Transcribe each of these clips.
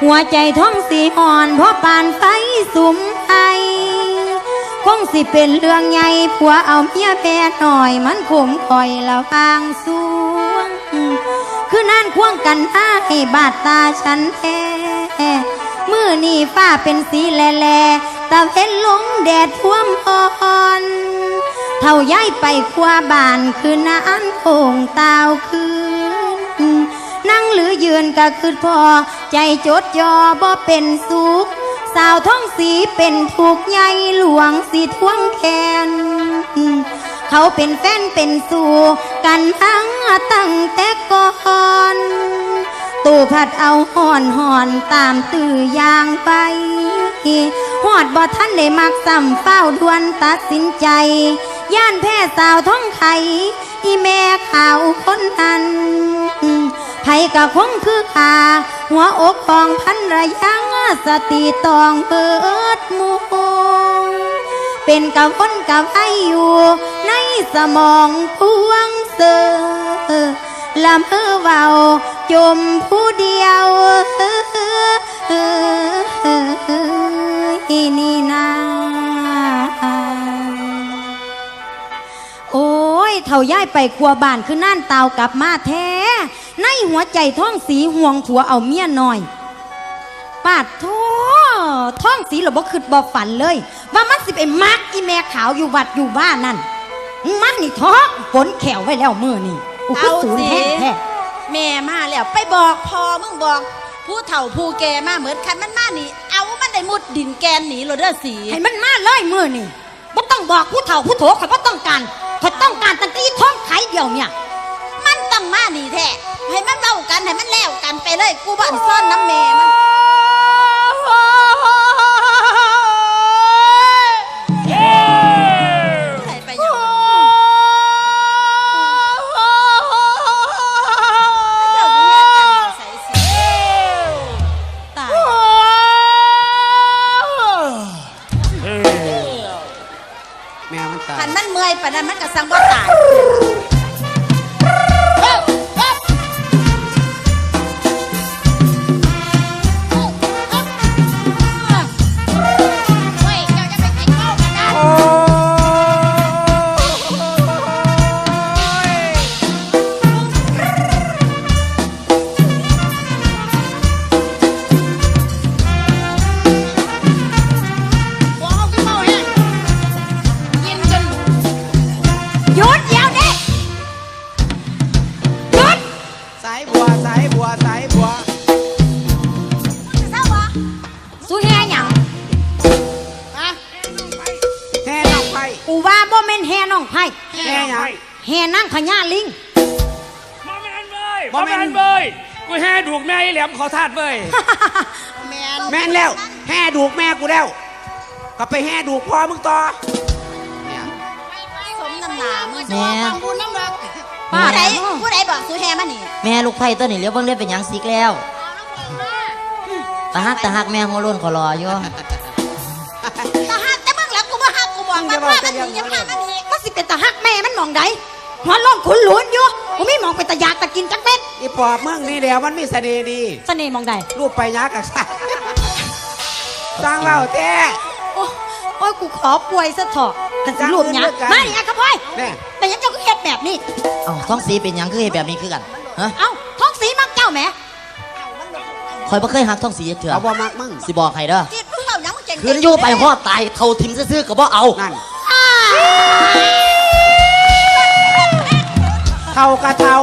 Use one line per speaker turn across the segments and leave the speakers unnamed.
หัวใจท้องสีอ่อนเพราะปานไฟสุมไอคงสิเป็นเรื่องใหญ่ผัวเอาเมียแพ้หน่อยมันขมคอยละฟางสวงคือนั่นควงกันอ้าให้บาดตาฉันแท้มือนี่ฟ้าเป็นสีแหล่ตะเวนลงแดดท่วมอ่อนเท่าย้ายไปคว้าบ้านคือนั้นโอ่งตาวคืนนั่งหรือยืนก็คือพอใจจดจ่อบ่เป็นสุขสาวท้องสีเป็นถูกใหญ่หลวงสีท่วงแขนเขาเป็นแฟนเป็นสู่กันทั้งตั้งแต่ก่อนตู่ผัดเอาห่อนตามตื่อย่างไปหอดบ่ท่านได้มักซ้ำเฝ้าดวนตัดสินใจย่านแพ้สาวท้องไข่อีแม่ขาวคนนั้นไผก็คงคือขาหัวอกของพันระยังสติตองเปิดมูเป็นกับคนกับไออยู่ในสมองพวงเสือละเมอเบาจมผู้เดียวนี่นาโอ้ยเท่าย้ายไปครัวบ้านคือน่านเตากลับมาแท้ในหัวใจท้องสีห่วงผัวเอาเมียน้อยปาดท้องสีเราบ่คิดบ่ฝันเลยว่ามันสิไปมักอีแม่ขาวอยู่วัดอยู่บ้านนั่นมันนี่ท้องฝนแขวไว้แล้วมือนี่
เอาสิแม่มาแล้วไปบอกพอมึงบอกผู้เฒ่าผู้แก่มาเหมือนคันมันมานี่เอามันได้มุดดินแกนหนีเราเด้อสี
ให้มันมาเลยมือนี่บ่ต้องบอกผู้เฒ่าผู้โถเขาบ่ต้องการเขาต้องการตั้งแต่ท้องไข่เดียวเนี่ย
มันต้องมานี่แท้ให้มันเล่ากันให้มันแล้วกันไปเลยกูบ้านซ่อนน้ำแม่มันขันมันเมื่อยปะนั้นมันก็สังบ่ตายแห่นั่งขย่าลิง
บ่แม่นเบยกูแห่ดูกแม่ไอ้แหลมขอทาดเบย
แม่นแล้วแห่ดูกแม่กูแล้วก็ไปแห่ดูกพ่อมึงต่อ
สมน้ำหนามึง
แม่
ผู้ใดบอกสูแห่มานี่
แม่ลูกไผ่ตัวนี้เลี้ยวเบิ่งได้เป็นยังซิกแล้วตาฮักแม่หัวล้นขอรออยู่
ตาฮักแต่เบิ่งแล้วกูบ่ฮักกูบอกว่าพ่อมันนี่ยังพามันนี่
ก็สิเป็นตาฮักแม่มันมองใดหัวล้นขุนหลุนอยู่กูไม่มองเป็นตาอยากตะกินจักเม็ด
อีปอบมึงนี่เดียวมันมีเสน่ห์ดี
เสน่ห์มองใด
รูปไปยักษ์กับสัตว์สร้างเล่าแท้
โอ้ยกูขอป่วยซะเถอะกันสิรูปยักษ์มาดิอะครับพ่อยแต่ยังเจ้าก็เฮ็ดแบบนี้
เอ้าท้องสีเป็นยังคือเฮ็ดแบบนี้คือกันฮะ
เอ้าท้องสีมักเจ้าแหม
คอยบ่เคยหักท้องสีเถื่อ
เอาบ่มักมึง
สิบอกให้เด้อคืนอยู่ไปฮอดตายเท่าทิมซื่อๆก็บ่เอา
นั่นเท่ากะเท่า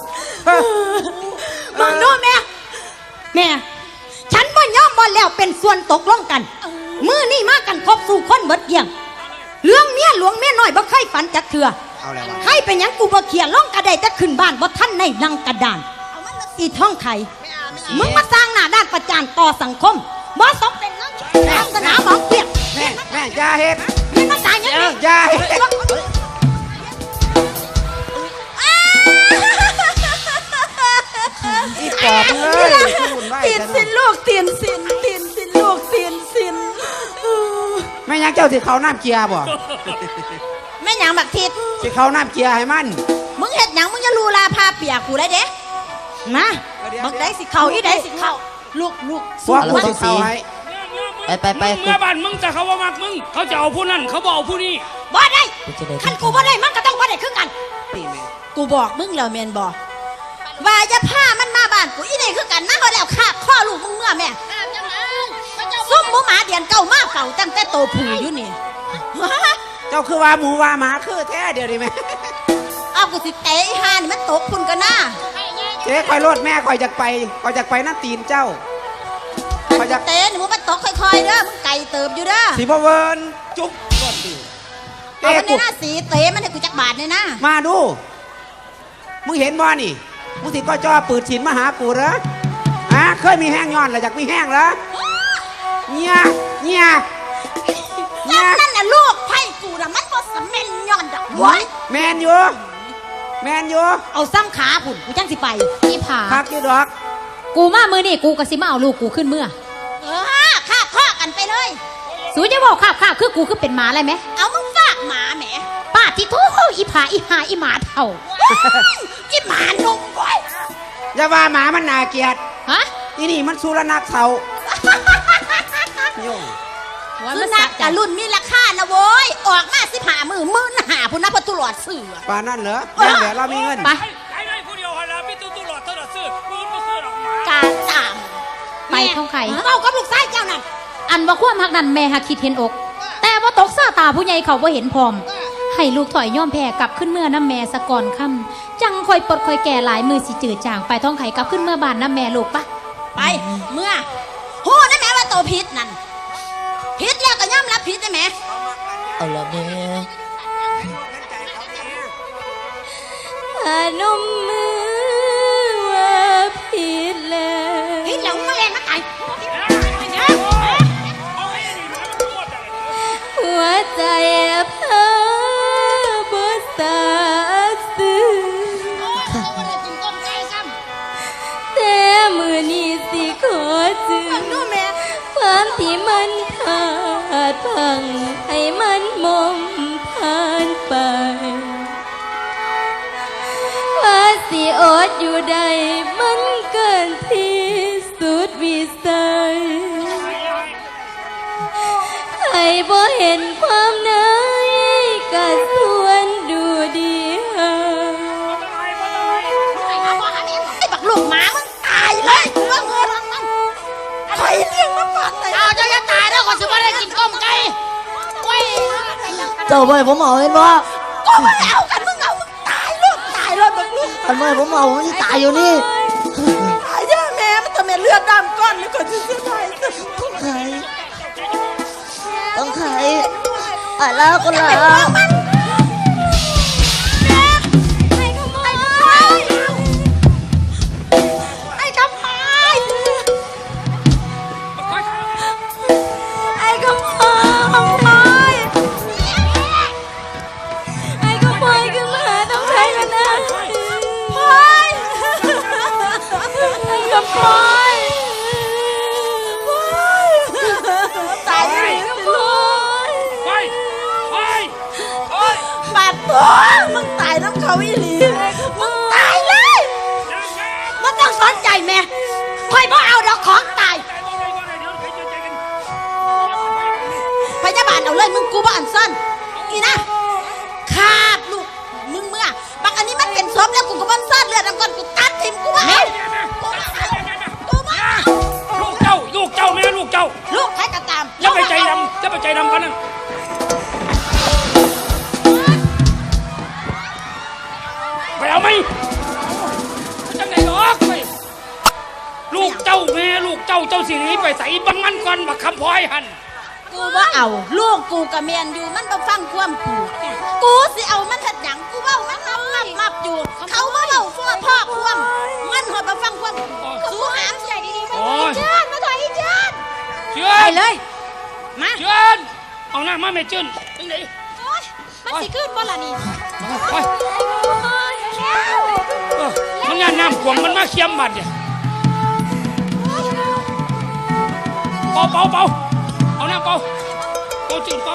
มึงดูแม่ฉันบ่ยอมบ่แล้วเป็นส่วนตกลงกันมื้อนี้มากันครบสู่คนเบิดเกี่ยงเรื่องเมียหลวงเมียน้อยบ่เคยฝันจักเถื่อใครเป็นหยังกูบ่เขียนลงกระไดแต่ขึ้นบ้านบ่ทันในนั่งกระดานอีท้องไข่มึงมาสร้างหน้าด้านประจานต่อสังคมบ่สมเป็นนักสนามหมอเปียก
แม่อย่าเฮ็ด
ไม่มาตายยังนี่
อย่าเฮ็ดอีปอบเอ้ย
ตีนสินลูกตีนสินลูกตีนสิน
แม่ยังเจ้าสิเขาน้ำเกียร์บ่
แม่ยังบักทิศ
สิเขาน้ำเกียร์ให้มัน
มึงเฮ็ดหยังมึงจะลูลาพาเปียกกูเลยเด้
มาบักได้สิเขาอีได้สิเขา
ลูก
พวกกูสิเข้าให้
ไป
มึงเมื่อบ้านมึงแต่เขาว่ามักมึงเขาจะเอาผู้นั่นเขาบอกเอาผู้นี้
บ่ได้
กูจะได้
คันกูบ่ได้มันก็ต้องบ่ได้คือกัน
ตีแม่
กูบอกมึงแล้วแม่นบ่ว่าอย่าพามันมาบ้านกูอีนี่คือกันมาบ่แล้วคาบข้อลูกมึงเมื่อแม่ซุ่มหมูหมาเดียนเก่ามาเฝ้าตั้งแต่โตผู้อยู่นี่
เจ้าคือว่าหมูว่าหมาคือแท้เดี๋ยวนี้แม่
เอากูสิเตะอีห่านี่มันตกพุ่นกันนะ
เจ๊คอยโลดแม่คอยจากไปนั่นตีนเจ้าคอยจาก
เตะนี่มึงมันตกค่อยๆเด้อมึงไก่เติบอยู่เด้อ
สีพะเวิร์นจุ๊บก่อนดิ
เอา
เต้
มันใน
กู
หน้าสีเตะมันให้กูจักบาทเนี่ยนะ
มาดูมึงเห็นบ่นี่มึงสิก็จ่อปืนฉินมาหากูเหรอเคยมีแห้งย้อนหรืออยากมีแห้งเหรอเนี่ย
จังนั่นน่ะลูกไผ่กูน่ะมันบ่สำเม็นย้อนดอกโว้ย
แมนอยู่
เอาซ้ำขาพุ่นกูจังสิไป
อีผา
คักอยู่ดอก
กูมามือนี่กูก็สิมาเอาลูกกูขึ้นเมื่อ
คาบข้อกันไปเลย
สูจะบอกข้าคือกูคือเป็นหมาอะไรไหม
เอามึงฝากหมาแหม
ป้าที่ทุอีผาอีหาอีหมาเท่า
จิหมานุ่มโว้ย
อย่าว่าหมามันน่าเกลียด
ฮะ
อีนี่มันสุรนักเทาโยง
คือนักแต่รุ่นมีราคานะโว้ยออกมา15 มื้อ15,000พุ่นนะพอตุลอดเสือ
ป่านนั่นเหรอแม่นเดี๋ยวเรามีเงิน
ไป
ไอ้ผู้เดียวหันละพี่ตู้หลอดเท่าไหร่ซื้อปืนมาซื้อดอกหมา
การตาม
ไปท่องไข่
เมากับลูกชายเจ้านั่น
อันว่าความหักนั้นแม่หักคิดเห็นอก แต่ว่าตกซาตาผู้ใหญ่เขาบ่เห็นพร้อม ให้ลูกถอยย่อมแพ้กลับขึ้นเมื่อน้ำแม่สะก่อนค่ำจังคอยปลดคอยแก่หลายมือสิจืดจางไปท่องไข่กลับขึ้นเมื่อบานน้ำแม่ลูกปะ
ไปเมื่อโหได้แม่ว่าโตผิดนั่นผิดแล้วก็ยอมรับผิดได้แม่
เอาละแม่
นมมือว่าผิดแล้ว
ผิดแล้วมาเล่นมาไก่
หัวใจเพ้อบ่สาซื่อแต่มือนี้สิขอจือ
ดูแม่
ความที่มันขาดพังให้มันมอมผ่านไปว่าสิอดอยู่ใดมันเกินที่สุดวิสัยให้บ่เห็นความในก็ส่วนดูดีหา
ไอ้บักลูกหมามึงตายเลยเรื่องเงินมันใครเลี้ยงมาก่อนเลยเอาเจ้าจะตายแล้วก่อนสิว่าได้กินก้มไก่โอ้ย
เจ้าบ่ให้ผมเอาเห็นบ่
ก็มาแล้วกันมึงเอามึงตายลูกตายแล้วบักลูก
คันบ่ให้ผมเอาผมสิตายอยู่นี่
ตายเยอะแม่มันทำไมเลือดดำก้อนนี่ก่อนจะเสียดาย
ต้องไขอะไรคนละ
ไอ้กำไพไอ้กำไพไอ้กำไพขึ้นมาต้องใช้กันนะไอ้กำไพตายเลยกำไพ บาดตัวมึงตายน้ำเขาอีหลีมึงตายเลยมันต้องสนใจแม่คอยบ่เอาดอกของตายพยาบาลเอาเลยมึงกูบ่อันซ่อนอีนะคาบลูกมึงเมื่อบางอันนี้มันเป็นศพแล้วกูก็บ่ซ่อนเลือดน้ำก้อนกูตัดทิมกูว่ากูมา
ลูกเจ้าแม่ลูกเจ้า
ลูกใครก็ตาม
จะไปใจดำกันนั่นไปเอาไหมจังไหนหรอกไปลูกเจ้าแม่ลูกเจ้าสิหนีไปใส่บังมันก่อนบักคำพลอยหัน
กูว่าเอาลูกกูกับเมียนอยู่มันบ่ฟังความกูสิเอามันเฮ็ดหยังกูเว้ามันมับอยู่ เขาบ่เว้าพ่อความมันหอดบ่ฟังความสู้หามใส่ดีๆ
โอ้ย
เชิญมาถอยอีเชิญ
เชิญเลยมาเชิญเอาหน้ามาแม่เชิญจังไหน
มันสิขึ้นบ่ล่ะนี่
มันงานน้ำขวงมันมาเคียมบัดเนี่ยเป่าเอาน้ำเป่าจืดเป่า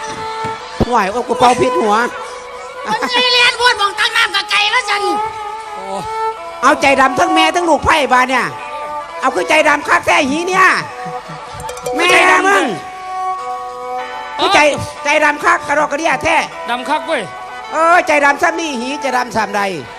ไหวโอ้กูเป่าพิษหัว
มันสิเรียนบวชมองตั้งน้ำกับไก่แล้วจัง
เอาใจดำทั้งแม่ทั้งลูกไผ่บาเนี่ยเอาคือใจดำคักแท้หีเนี่ยแม่มึงคือใจดำคักกระดอกกระเดียแท้
ดำคักเว้ย
ใจดำซ้ำนี่หีจะดำซ้ำใด